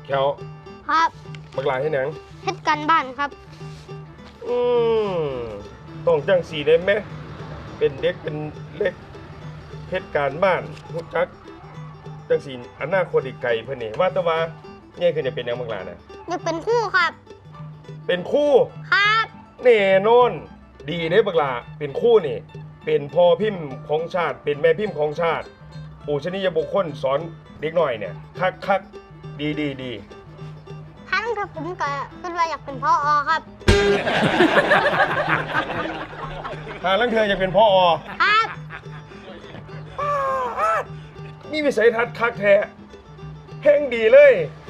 แขวครับบักหลาให้หนังเฮ็ดการบ้านครับต้องจังสีได้ไหมเป็นเด็กเป็นเล็กเฮ็ดการบ้านฮู้จักจังสีอนาคตอีกไกลเพิ่นนี่ว่าแต่ว่าเนี่ยคือจะเป็นหยังบักหลาน่ะอยากเป็นครูครับเป็นครูครับแน่นอนดีเด้บักหลาเป็นครูนี่เป็นพ่อพิมพ์ของชาติเป็นแม่พิมพ์ของชาติปูชนียบุคคลสอนเด็กหน่อยเนี่ยคักดีทั้งที่ผมก็คิดว่าอยากเป็นผอ.ครับลังเธออยากเป็นผอ. ครับมีวิสัยทัศน์คักแท้แห่งดีเลย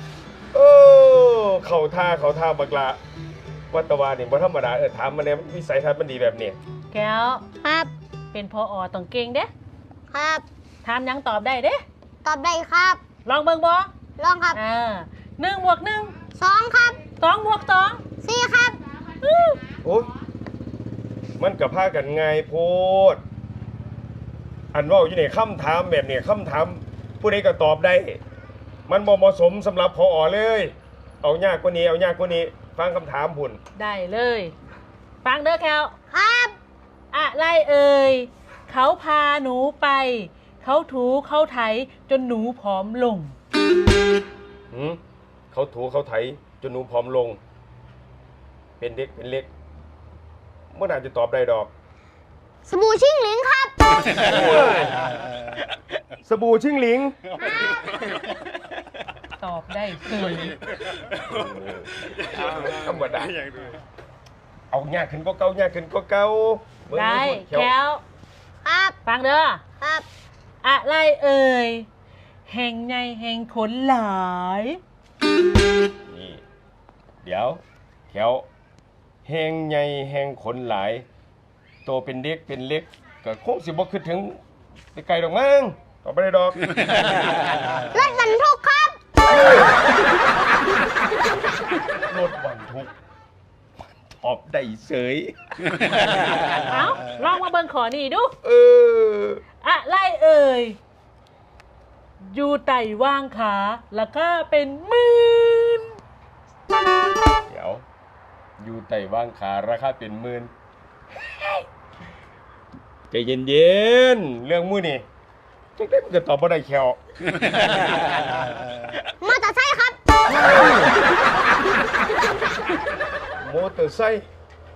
เข่าท่าบักละวัตวานี่บ่ธรรมดาถามมาแน่วิสัยทัศน์มันดีแบบนี้แก้วครับเป็นผอ.ต้องเก่งเด้ครับถามยังตอบได้เด้ตอบได้ครับลองเบิ่งบ่ลองครับ 1 บวก 1 2ครับ 2 บวก 2 4ครับโอ้ยมันกับพากันง่ายโพดอันว่าอยู่ในคำถามแบบนี้คำถามผู้ใดก็ตอบได้มันบ่เหมาะสมสำหรับผอ.เลยเอายากกว่านี้ฟังคำถามพุ่นได้เลยฟังเด้อแก้วครับอะไรเอ่ยเขาพาหนูไปเขาถูเขาไถจนหนูผอมลงเขาถูเขาไถจนหนูผอมลงเป็นเด็กเป็นเล็กเมื่อไหร่จะตอบได้ดอกสบู่ชิ่งหลิงครับสบู่ชิ่งหลิงตอบได้เลยธรรมดาเอายากขึ้นก็เก่ายากขึ้นก็เก่าได้แก้วครับฟังเด้อครับอะไรเอ่ยแห่งใหญ่แห่งขนหลายนี่เดี๋ยวแถวแห่งใหญ่แห่งขนหลายโตเป็นเด็กเป็นเล็กก็คงสิบ่คิดถึงไปไกลดอกมั้งตอบบ่ได้ดอกรถบรรทุกครับรถบรรทุกตอบได้เสยเอาลองมาเบิ่งขอนี่ดูอะไรเอ่ยอยู่ไต่ว่างขาแล้วก็เป็นหมื่นเดี๋ยวอยู่ไต่ว่างขาราคาเป็นหมื่นใจเย็นๆเรื่องมื้อนี่จังได๋มันก็ตอบบ่ได้แควมอเตอร์ไซค์ครับมอเตอร์ไซค์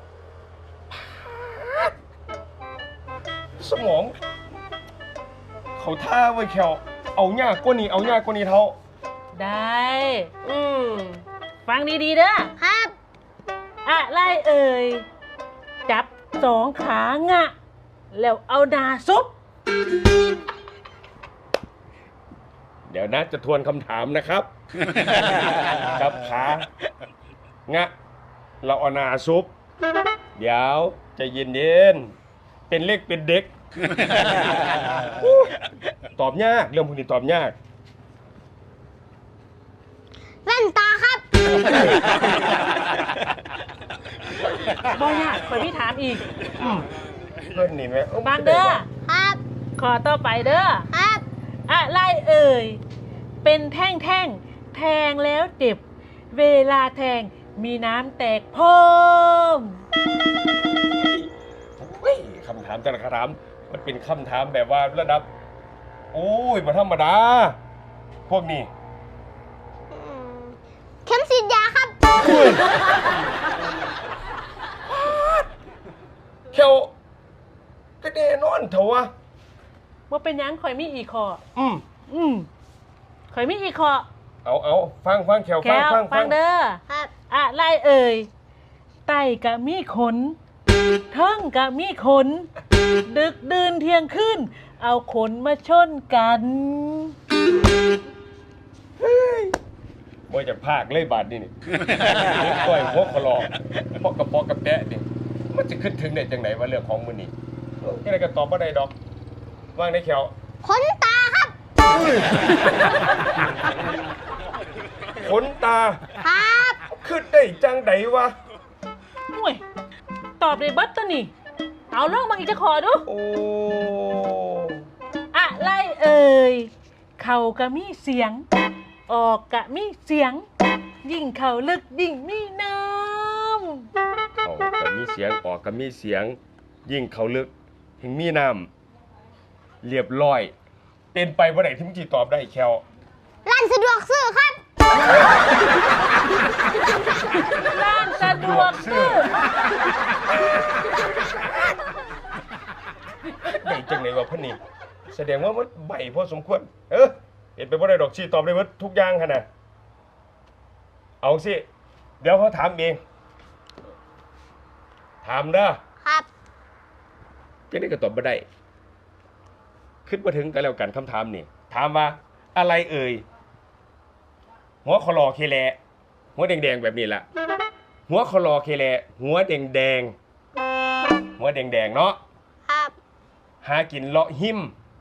สมองเขาท่าไว้แควเอายากกว่านี้เท่าได้ฟังดีๆเด้อครับอะไรเอ่ยจับ2 ขางะแล้วเอาหน้าซุปเดี๋ยวนะจะทวนคำถามนะครับจับขางะเราเอาหน้าซุปเดี๋ยวใจเย็นๆเป็นเล็กเป็นเด็กตอบยากเรื่องพวกนี้ตอบยากแว่นตาครับบ่ยากไปพี่ถามอีกเพื่อนนี่ไหมฟังเด้อครับขอต่อไปเด้อครับอะไรเอ่ยเป็นแท่งแทงแล้วเจ็บเวลาแทงมีน้ำแตกเพิ่มคำถามแต่ละคำถามมันเป็นคำถามแบบว่าระดับโอ้ยบ่ธรรมดาพวกนี้เข็มฉีดยาครับเขียวก็แน่นอนเถอะวะว่าเป็นยังข่อยมีอีกข้อข่อยมีอีกข้อเอาฟังเขียวฟังเด้อครับอะไรเอ่ยไตกะมีขนเทิงกะมีขนดึกดื่นเที่ยงคืนเอาขนมาชนกันบ่จะพากเลยบาดนี่ก้อยหัวคลอพอกกระปอกกระแปะนี่มันจะขึ้นถึงได้จังไหนว่าเรื่องของมื้อนี้ยังไงก็ตอบบ่ได้ดอกว่างได้เขียวขนตาครับขนตาครับขึ้นได้จังไดวะห่วยตอบได้เบิดตัวนี่เอาลองมาอีกจะขอดูโอ้อะไรเอ่ยเข่าก็มีเสียงออกก็มีเสียงยิ่งเขาลึกยิ่งมีน้เขาก็มีเสียงออกก็มีเสียง ยิ่งเขาลึกถึงมีน้ำเรียบร้อย เป็นไปบ่ได้ที่มึงสิตอบได้แควร้านสะดวกซื้อครับำร้านสะดวกซื้อได้จังไหนวะพ่อนี่แสดงว่ามันใบพอสมควรเป็นไปบ่ได้ดอกสิตอบได้หมดทุกอย่างหั่นน่ะเอาสิเดี๋ยวเขาถามเองถามเด้อครับจังได๋ก็ตอบบ่ได้คิดบ่ถึงกันแล้วกันคำถามนี่ถามว่าอะไรเอ่ยหัวคอลอเคแลหัวแดงๆแบบนี้ล่ะหัวคอลอเคแลหัวแดงๆหัวแดงๆเนาะครับหากินเลาะหิม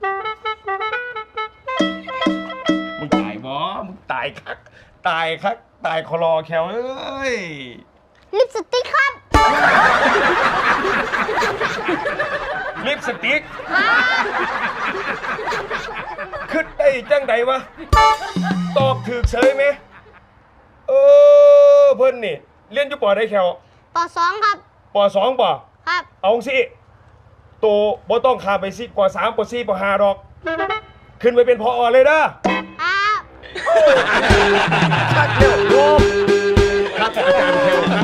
มึงตายบ่มึงตายคักตายคักตายคอลอแควเอ้ยลิปสติกครับลิปสติกขึ้นได้จังใดวะตอบถูกเฉยไหมเพิ่นนี่เรียนอยู่ปอได้แควป.2 ครับปอ2ป่ะครับเอาสิโตบ่ต้องขาไปสิปอ3ปอ4ปอ5ดอก ขึ้นไปเป็นพอเลยเด้อครับชัดเร็วโยมครับอาจารย์แคว